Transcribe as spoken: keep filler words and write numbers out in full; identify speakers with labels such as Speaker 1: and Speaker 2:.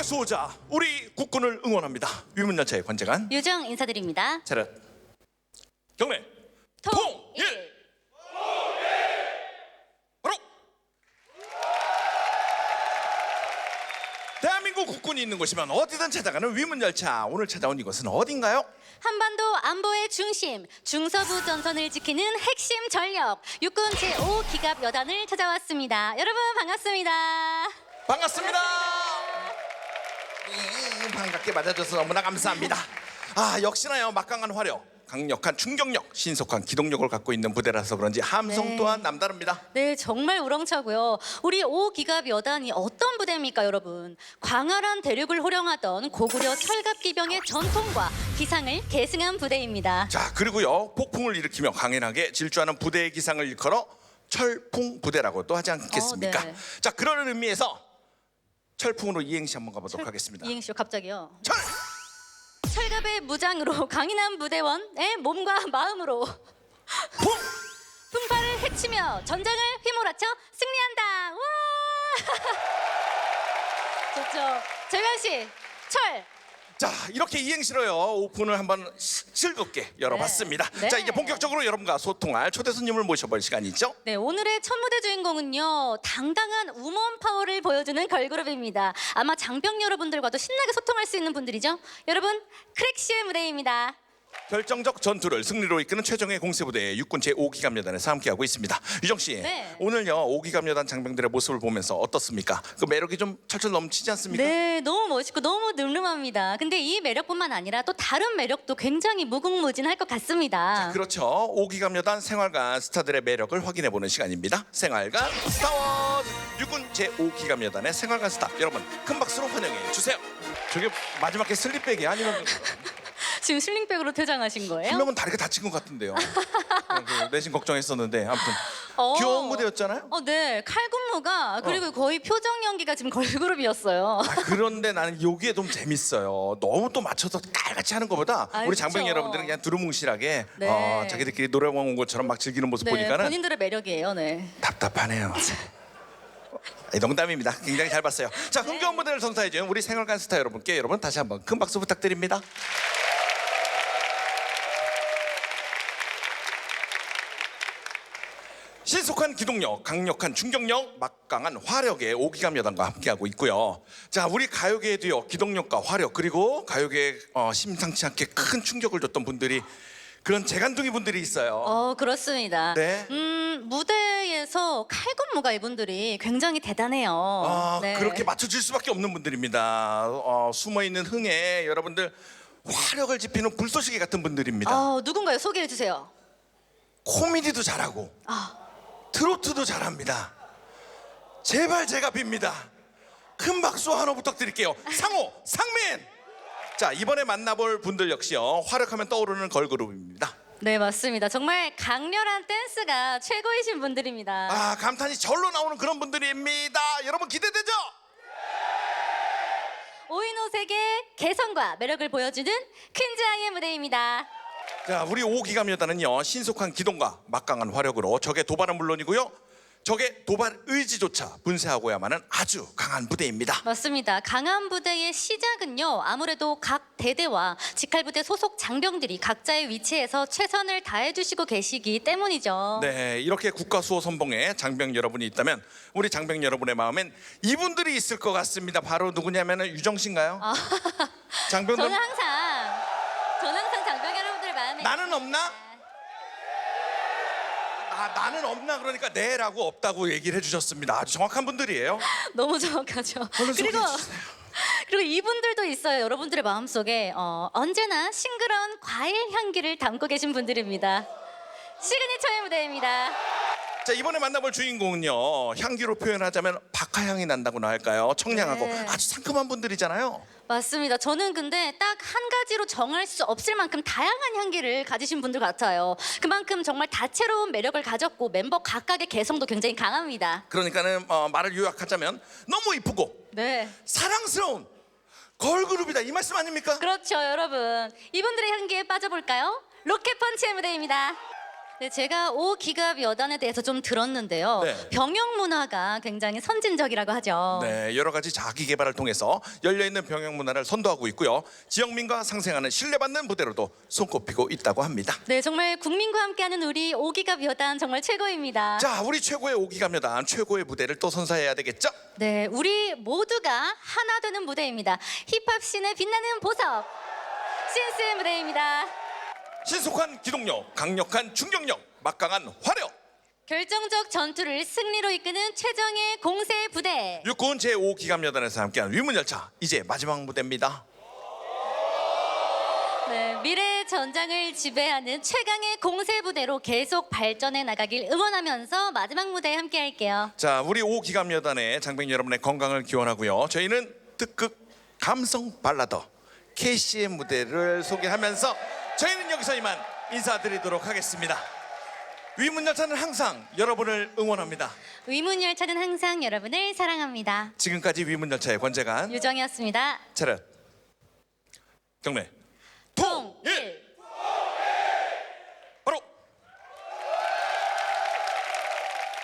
Speaker 1: 최고의 수호자 우리 국군을 응원합니다. 위문열차의 관장관
Speaker 2: 유정 인사드립니다.
Speaker 1: 차렷 경례 통일 바로 대한민국 국군이 있는 곳이면 어디든 찾아가는 위문열차. 오늘 찾아온 이곳은 어딘가요?
Speaker 2: 한반도 안보의 중심, 중서부 전선을 지키는 핵심 전력, 육군 제오 기갑 여단을 찾아왔습니다. 여러분 반갑습니다.
Speaker 1: 반갑습니다. 음, 반갑게 맞아줘서 너무나 감사합니다. 아, 역시나요, 막강한 화력, 강력한 충격력, 신속한 기동력을 갖고 있는 부대라서 그런지 함성
Speaker 2: 네.
Speaker 1: 또한 남다릅니다.
Speaker 2: 네, 정말 우렁차고요. 우리 오 기갑 여단이 어떤 부대입니까, 여러분? 광활한 대륙을 호령하던 고구려 철갑기병의 전통과 기상을 계승한 부대입니다.
Speaker 1: 자, 그리고요, 폭풍을 일으키며 강인하게 질주하는 부대의 기상을 일컬어 철풍 부대라고도 하지 않겠습니까?
Speaker 2: 어, 네.
Speaker 1: 자, 그런 의미에서 철풍으로 이행시 한번 가보도록 하겠습니다.
Speaker 2: 이행시요, 갑자기요.
Speaker 1: 철!
Speaker 2: 철갑의 무장으로 강인한 부대원의 몸과 마음으로
Speaker 1: 풍!
Speaker 2: 풍파를 헤치며 전장을 휘몰아쳐 승리한다. 와! 좋죠. 재관 씨, 철.
Speaker 1: 자, 이렇게 이행시로요, 오픈을 한번 시- 즐겁게 열어봤습니다.
Speaker 2: 네.
Speaker 1: 자, 이제 본격적으로 여러분과 소통할 초대 손님을 모셔볼 시간이죠.
Speaker 2: 네, 오늘의 첫 무대 주인공은요, 당당한 우먼 파워를 보여주는 걸그룹입니다. 아마 장병 여러분들과도 신나게 소통할 수 있는 분들이죠. 여러분, 크랙시의 무대입니다.
Speaker 1: 결정적 전투를 승리로 이끄는 최정예 공세부대의 육군 제오 기갑여단에서 함께하고 있습니다. 유정 씨,
Speaker 2: 네.
Speaker 1: 오늘요 오 기갑여단 장병들의 모습을 보면서 어떻습니까? 그 매력이 좀 철철 넘치지 않습니까?
Speaker 2: 네, 너무 멋있고 너무 늠름합니다. 근데 이 매력뿐만 아니라 또 다른 매력도 굉장히 무궁무진할 것 같습니다.
Speaker 1: 그렇죠. 오 기갑여단 생활관 스타들의 매력을 확인해보는 시간입니다. 생활관 스타워즈 육군 제오 기갑여단의 생활관 스타 여러분 큰 박수로 환영해 주세요. 저게 마지막 게 슬립백이 아니면
Speaker 2: 지금 슬링백으로 퇴장하신 거예요?
Speaker 1: 한 명은 다리가 다친 것 같은데요. 그 내심 걱정했었는데 아무튼
Speaker 2: 어.
Speaker 1: 귀여운 무대였잖아요.
Speaker 2: 어, 네. 칼군무가 그리고 거의 표정 연기가 지금 걸그룹이었어요.
Speaker 1: 아, 그런데 나는 여기에 좀 재밌어요. 너무 또 맞춰서 깔같이 하는 것보다
Speaker 2: 아,
Speaker 1: 우리 장병
Speaker 2: 그쵸.
Speaker 1: 여러분들은 그냥 두루뭉실하게
Speaker 2: 네.
Speaker 1: 어, 자기들끼리 노래방 온 것처럼 막 즐기는 모습
Speaker 2: 네,
Speaker 1: 보니까는
Speaker 2: 본인들의 매력이에요. 네.
Speaker 1: 답답하네요. 이 농담입니다. 굉장히 잘 봤어요. 자, 흥겨운 무대를 선사해준 우리 생활관 스타 여러분께 여러분 다시 한번 큰 박수 부탁드립니다. 신속한 기동력, 강력한 충격력, 막강한 화력의 오 기갑여단과 함께하고 있고요. 자, 우리 가요계에도요 기동력과 화력 그리고 가요계에 어, 심상치 않게 큰 충격을 줬던 분들이 그런 재간둥이 분들이 있어요.
Speaker 2: 어, 그렇습니다.
Speaker 1: 네.
Speaker 2: 음, 무대에서 칼군무가 이분들이 굉장히 대단해요.
Speaker 1: 아,
Speaker 2: 네.
Speaker 1: 그렇게 맞춰질 수밖에 없는 분들입니다. 어, 숨어있는 흥에 여러분들 화력을 지피는 불쏘시개 같은 분들입니다.
Speaker 2: 어, 누군가요? 소개해 주세요.
Speaker 1: 코미디도 잘하고
Speaker 2: 아,
Speaker 1: 트로트도 잘합니다. 제발 제가 빕니다. 큰 박수 하나 부탁드릴게요. 상호, 상민. 자, 이번에 만나볼 분들 역시요 화력하면 떠오르는 걸그룹입니다.
Speaker 2: 네, 맞습니다. 정말 강렬한 댄스가 최고이신 분들입니다.
Speaker 1: 아, 감탄이 절로 나오는 그런 분들입니다. 여러분 기대되죠?
Speaker 2: 오인오색의 개성과 매력을 보여주는 퀸즈아이의 무대입니다.
Speaker 1: 자, 우리 오 기갑여단은요 신속한 기동과 막강한 화력으로 적의 도발은 물론이고요 적의 도발 의지조차 분쇄하고야만은 아주 강한 부대입니다.
Speaker 2: 맞습니다. 강한 부대의 시작은요, 아무래도 각 대대와 직할부대 소속 장병들이 각자의 위치에서 최선을 다해주시고 계시기 때문이죠.
Speaker 1: 네, 이렇게 국가수호 선봉에 장병 여러분이 있다면 우리 장병 여러분의 마음엔 이분들이 있을 것 같습니다. 바로 누구냐면은 유정 씨인가요?
Speaker 2: 아,
Speaker 1: 장병들
Speaker 2: 저는 항상, 저는 항상 장병 여러분들 마음에
Speaker 1: 나는 없나? 아, 나는 없나 그러니까 네라고 없다고 얘기를 해주셨습니다. 아주 정확한 분들이에요.
Speaker 2: 너무 정확하죠.
Speaker 1: 얼른
Speaker 2: 그리고
Speaker 1: 소개해 주세요.
Speaker 2: 그리고 이분들도 있어요. 여러분들의 마음속에 어, 언제나 싱그러운 과일 향기를 담고 계신 분들입니다. 시그니처의 무대입니다.
Speaker 1: 자, 이번에 만나볼 주인공은요 향기로 표현하자면 박하향이 난다고나 할까요? 청량하고
Speaker 2: 네.
Speaker 1: 아주 상큼한 분들이잖아요.
Speaker 2: 맞습니다. 저는 근데 딱 한 가지로 정할 수 없을 만큼 다양한 향기를 가지신 분들 같아요. 그만큼 정말 다채로운 매력을 가졌고 멤버 각각의 개성도 굉장히 강합니다.
Speaker 1: 그러니까는 어, 말을 요약하자면 너무 이쁘고
Speaker 2: 네,
Speaker 1: 사랑스러운 걸그룹이다 이 말씀 아닙니까?
Speaker 2: 그렇죠, 여러분. 이분들의 향기에 빠져볼까요? 로켓펀치의 무대입니다. 네, 제가 오기갑 여단에 대해서 좀 들었는데요.
Speaker 1: 네.
Speaker 2: 병영 문화가 굉장히 선진적이라고 하죠.
Speaker 1: 네, 여러 가지 자기 개발을 통해서 열려 있는 병영 문화를 선도하고 있고요. 지역민과 상생하는 신뢰받는 무대로도 손꼽히고 있다고 합니다.
Speaker 2: 네, 정말 국민과 함께하는 우리 오기갑 여단 정말 최고입니다.
Speaker 1: 자, 우리 최고의 오기감여단 최고의 무대를 또 선사해야 되겠죠?
Speaker 2: 네, 우리 모두가 하나 되는 무대입니다. 힙합 씬의 빛나는 보석 신스의 무대입니다.
Speaker 1: 신속한 기동력, 강력한 충격력, 막강한 화력.
Speaker 2: 결정적 전투를 승리로 이끄는 최정의 공세 부대.
Speaker 1: 육군 제오 기감여단에서 함께한 위문열차 이제 마지막 무대입니다.
Speaker 2: 네, 미래 전장을 지배하는 최강의 공세 부대로 계속 발전해 나가길 응원하면서 마지막 무대에 함께할게요.
Speaker 1: 자, 우리 오 기감여단의 장병 여러분의 건강을 기원하고요. 저희는 특급 감성 발라더 케이씨의 무대를 소개하면서 저희는 여기서 이만 인사드리도록 하겠습니다. 위문열차는 항상 여러분을 응원합니다.
Speaker 2: 위문열차는 항상 여러분을 사랑합니다.
Speaker 1: 지금까지 위문열차의 권재관
Speaker 2: 유정이었습니다.
Speaker 1: 차렷 경례